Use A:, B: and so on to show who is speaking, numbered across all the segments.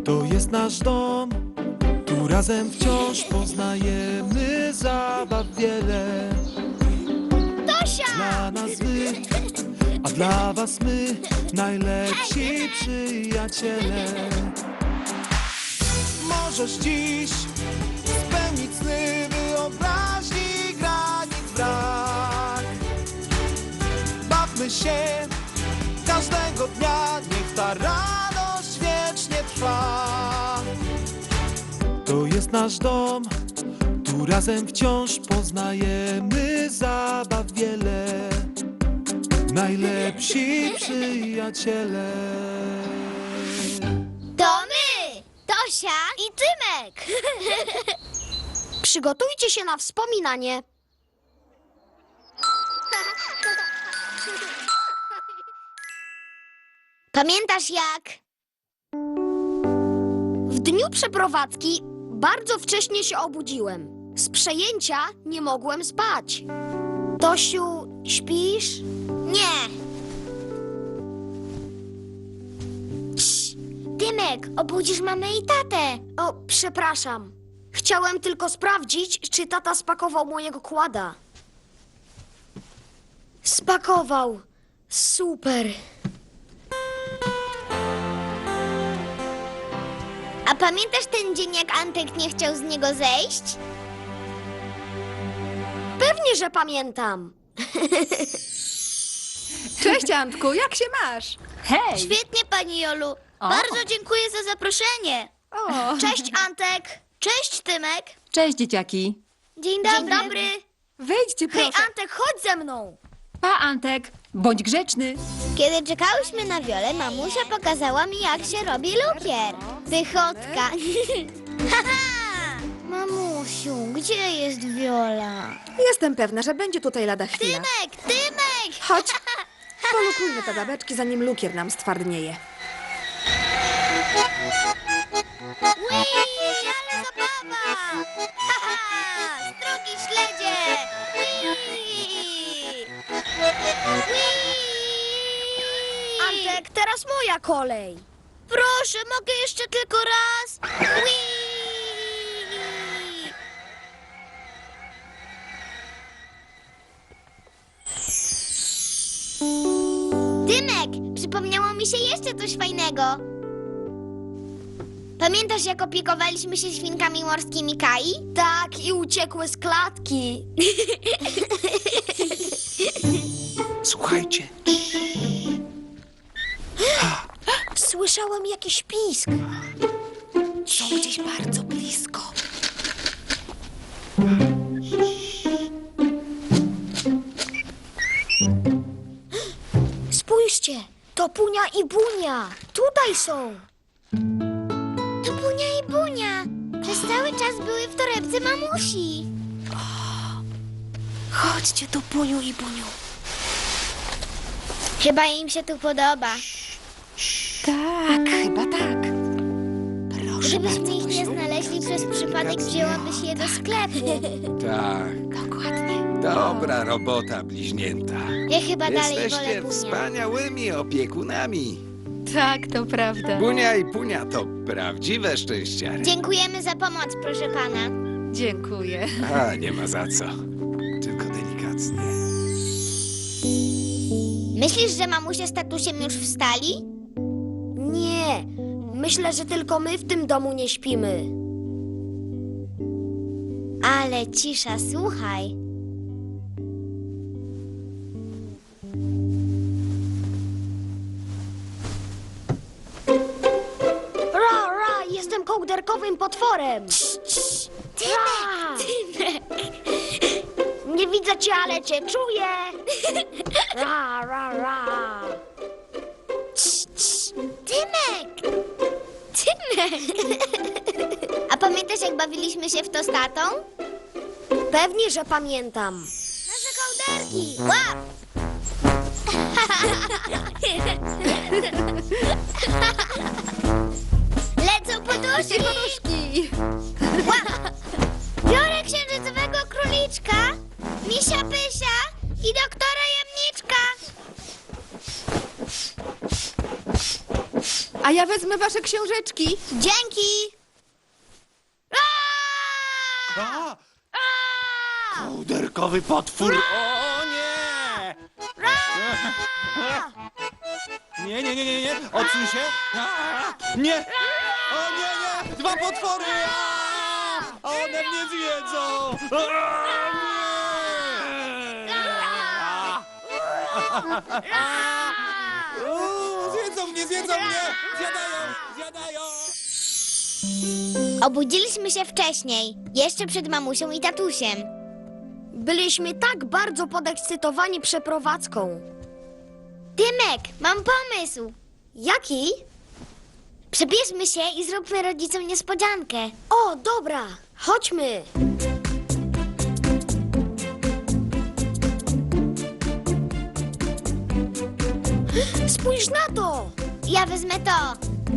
A: To jest nasz dom, tu razem wciąż poznajemy zabaw wiele.
B: Tosia!
A: Dla nas wy, a dla was my, najlepsi przyjaciele. Możesz dziś spełnić sny, wyobraźni granic brak. Bawmy się każdego dnia, niech ta radość wiecznie trwa. To jest nasz dom, tu razem wciąż poznajemy zabaw wiele. Najlepsi przyjaciele.
B: To my! Tosia i Tymek!
C: Przygotujcie się na wspominanie.
B: Pamiętasz jak?
C: W dniu przeprowadzki bardzo wcześnie się obudziłem. Z przejęcia nie mogłem spać. Tosiu, śpisz?
B: Nie. Cii, Tymek, obudzisz mamę i tatę.
C: O, przepraszam. Chciałem tylko sprawdzić, czy tata spakował mojego kłada. Spakował. Super.
B: A pamiętasz ten dzień, jak Antek nie chciał z niego zejść?
C: Pewnie, że pamiętam.
D: Cześć, Antku, jak się masz? Hej!
B: Świetnie, pani Jolu.
D: O.
B: Bardzo dziękuję za zaproszenie.
D: O,
B: Cześć, Antek. Cześć, Tymek.
D: cześć, dzieciaki.
B: Dzień dobry.
D: Wejdźcie,
C: Hej,
D: proszę.
C: Antek, chodź ze mną.
D: Pa, Antek, bądź grzeczny.
B: Kiedy czekałyśmy na Wiolę, mamusia pokazała mi, jak się robi lukier. Wychodka. Haha! Mamusiu, gdzie jest Wiola?
E: Jestem pewna, że będzie tutaj lada chwila.
B: Tymek!
E: Chodź, polukujmy te babeczki, zanim lukier nam stwardnieje.
B: Ui, ale zabawa! Haha! Drogi śledzie! Ui!
C: Antek, teraz moja kolej.
B: Proszę, mogę jeszcze tylko raz? Ui! Tymek, przypomniało mi się jeszcze coś fajnego. Pamiętasz, jak opiekowaliśmy się świnkami morskimi Kai?
C: Tak, i uciekły z klatki.
A: Słuchajcie,
C: Słyszałem jakiś pisk.
E: Są gdzieś bardzo blisko.
C: Spójrzcie, to Punia i Bunia. Tutaj są.
B: To Bunia i Bunia. Przez cały czas były w torebce mamusi.
E: Chodźcie tu, Puniu i Buniu.
B: Chyba im się tu podoba.
E: Tak, chyba tak. Proszę
B: Gdybyśmy
E: bardzo,
B: ich nie
E: Tosiu.
B: znaleźli przez przypadek, wzięłabyś je do sklepu.
F: Tak,
E: Dokładnie.
F: dobra robota, bliźnięta.
B: Ja chyba dalej wolę
F: Jesteście
B: Bunię.
F: wspaniałymi opiekunami.
D: Tak, to prawda.
F: Bunia i Punia to prawdziwe szczęściary.
B: Dziękujemy za pomoc, proszę pana.
D: Dziękuję.
F: A, nie ma za co. Tylko delikatnie.
B: Myślisz, że mamusia z tatusiem już wstali?
C: Nie, myślę, że tylko my w tym domu nie śpimy.
B: Ale cisza, słuchaj.
C: Ra, jestem kołderkowym potworem. Ra. Nie widzę cię, ale cię czuję. Ra.
B: Tymek! Tymek! A pamiętasz, jak bawiliśmy się w to z tatą?
C: Pewnie, że pamiętam.
B: Nasze kołderki! Łap! Lecą poduszki! Łap! Biorę księżycowego króliczka, misia Pysia i doktora Jamniczka.
E: A ja wezmę wasze książeczki.
B: Dzięki!
F: A! Kołderkowy potwór! O nie! Nie! Odsuń się! Nie! O nie! Dwa potwory! One mnie zjedzą! Zjedzą mnie! Zjadają!
B: Obudziliśmy się wcześniej, jeszcze przed mamusią i tatusiem.
C: Byliśmy tak bardzo podekscytowani przeprowadzką.
B: Tymek, mam pomysł.
C: Jaki?
B: Przebierzmy się i zróbmy rodzicom niespodziankę.
C: O, dobra, chodźmy. Spójrz na to!
B: Ja wezmę to.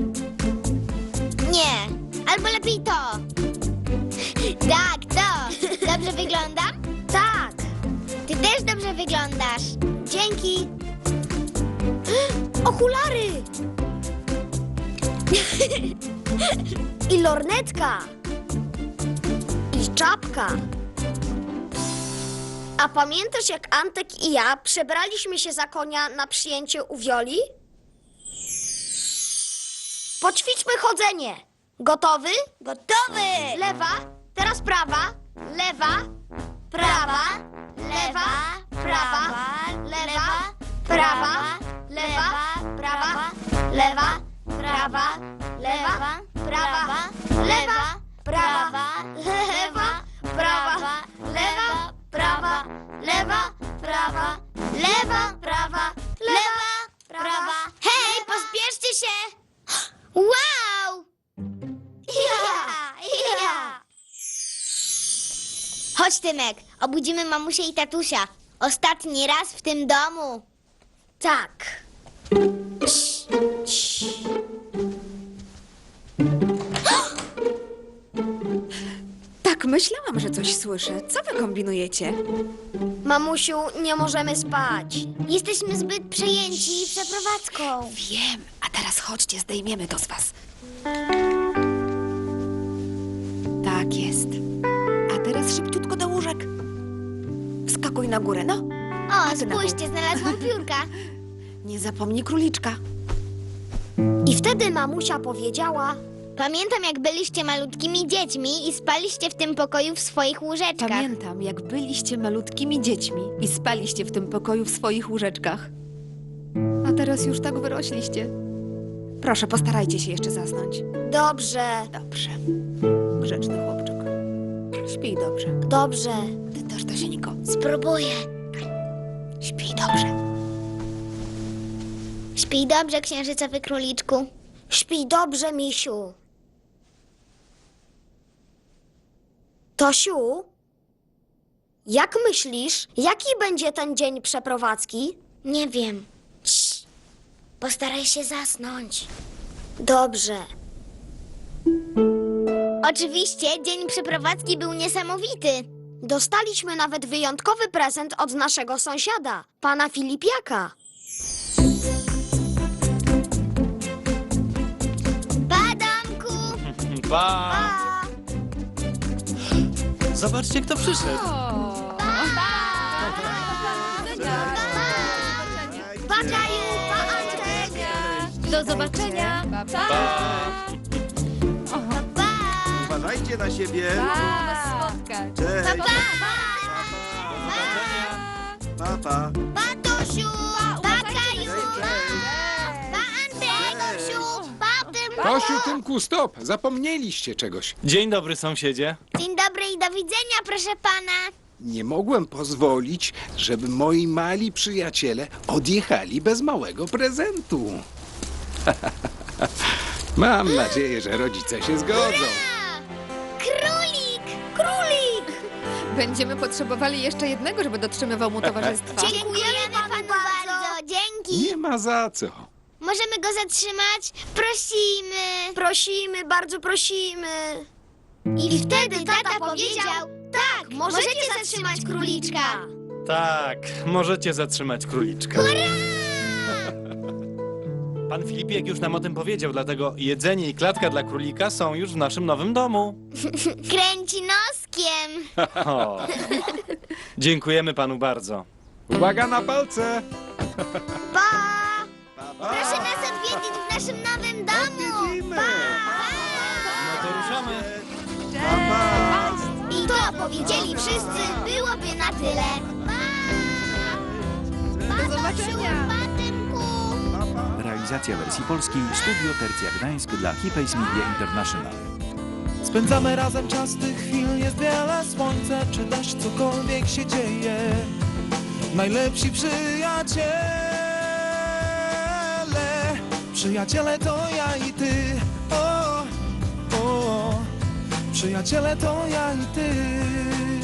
B: Nie, albo lepiej to. Tak, to. Dobrze wyglądam?
C: Tak,
B: Ty też dobrze wyglądasz.
C: dzięki. Okulary! I lornetka. I czapka. A pamiętasz, jak Antek i ja przebraliśmy się za konia na przyjęcie u Wioli? Poćwiczmy chodzenie. Gotowy?
B: Gotowy!
C: Lewa, teraz prawa, lewa, prawa, lewa, prawa, lewa, prawa, lewa, prawa, lewa, prawa, lewa, prawa, lewa, prawa, lewa, prawa, lewa, prawa, lewa, prawa, lewa, prawa, lewa, prawa.
B: Hej, pospieszcie się! Wow!
C: Ja!
B: Chodź, Tymek, obudzimy mamusię i tatusia. Ostatni raz w tym domu.
C: Tak.
E: Tak, myślałam, że coś słyszę. Co wy kombinujecie?
C: Mamusiu, nie możemy spać.
B: Jesteśmy zbyt przejęci przeprowadzką.
E: Wiem, a teraz chodźcie, zdejmiemy to z was. Tak jest. A teraz szybciutko do łóżek. Wskakuj na górę, no.
B: O,
E: ty na
B: spójrzcie, znalazłam piórka.
E: Nie zapomnij króliczka.
C: I wtedy mamusia powiedziała:
B: Pamiętam, jak byliście malutkimi dziećmi i spaliście w tym pokoju w swoich łóżeczkach.
E: Pamiętam, jak byliście malutkimi dziećmi i spaliście w tym pokoju w swoich łóżeczkach. A teraz już tak wyrośliście. Proszę, postarajcie się jeszcze zasnąć.
C: Dobrze,
E: Dobrze. Grzeczny chłopczyk. Śpij dobrze.
C: dobrze.
E: Ty też, Tosieńko.
B: Spróbuję.
E: Śpij dobrze.
B: Śpij dobrze, księżycowy króliczku.
C: Śpij dobrze, misiu. Tosiu, jak myślisz, jaki będzie ten dzień przeprowadzki?
B: Nie wiem. Cii. Postaraj się zasnąć.
C: Dobrze.
B: Oczywiście, dzień przeprowadzki był niesamowity.
C: Dostaliśmy nawet wyjątkowy prezent od naszego sąsiada, pana Filipiaka.
B: Pa, domku!
F: Pa!
C: Pa!
F: Zobaczcie, kto przyszedł.
C: Pa, Kaju, pa, Antek.
D: Do zobaczenia. Pa!
G: Uważajcie na siebie.
D: Pa! Spotkać.
G: Cześć.
B: Pa!
G: Pa, pa.
B: Pa, Tosiu! Pa, Kaju! Pa, Antek! Tosiu! Pa, Tymku!
H: Tosiu, Tymku, stop! Zapomnieliście czegoś.
F: Dzień dobry, sąsiedzie.
B: Dzień dobry i do widzenia, proszę pana.
H: Nie mogłem pozwolić, żeby moi mali przyjaciele odjechali bez małego prezentu. Mam nadzieję, że rodzice się zgodzą.
B: Królik!
C: Królik!
E: Będziemy potrzebowali jeszcze jednego, żeby dotrzymywał mu towarzystwa.
B: Dziękujemy panu bardzo. Dzięki.
H: Nie ma za co.
B: Możemy go zatrzymać? Prosimy.
C: Prosimy, bardzo prosimy.
B: I wtedy tata powiedział, tak, możecie zatrzymać króliczka.
F: Tak, możecie zatrzymać króliczka.
I: Pan Filipiek już nam o tym powiedział, dlatego jedzenie i klatka dla królika są już w naszym nowym domu.
B: Kręci noskiem.
I: O. Dziękujemy panu bardzo.
H: Uwaga na palce!
B: Pa! Proszę nas odwiedzić w naszym nowym domu.
G: Odwiedzimy.
I: No to ruszamy.
B: I to powiedzieli wszyscy, byłoby na tyle. Pa!
D: Do zobaczenia.
B: Pa, Tymku.
J: Realizacja wersji polskiej Studio Tercja Gdańsk dla Hipays Media International.
A: Spędzamy razem czas, tych chwil jest wiele. Słońce czy deszcz, cokolwiek się dzieje. Najlepsi przyjaciele. Przyjaciele to ja i ty. O, o, przyjaciele to ja i ty.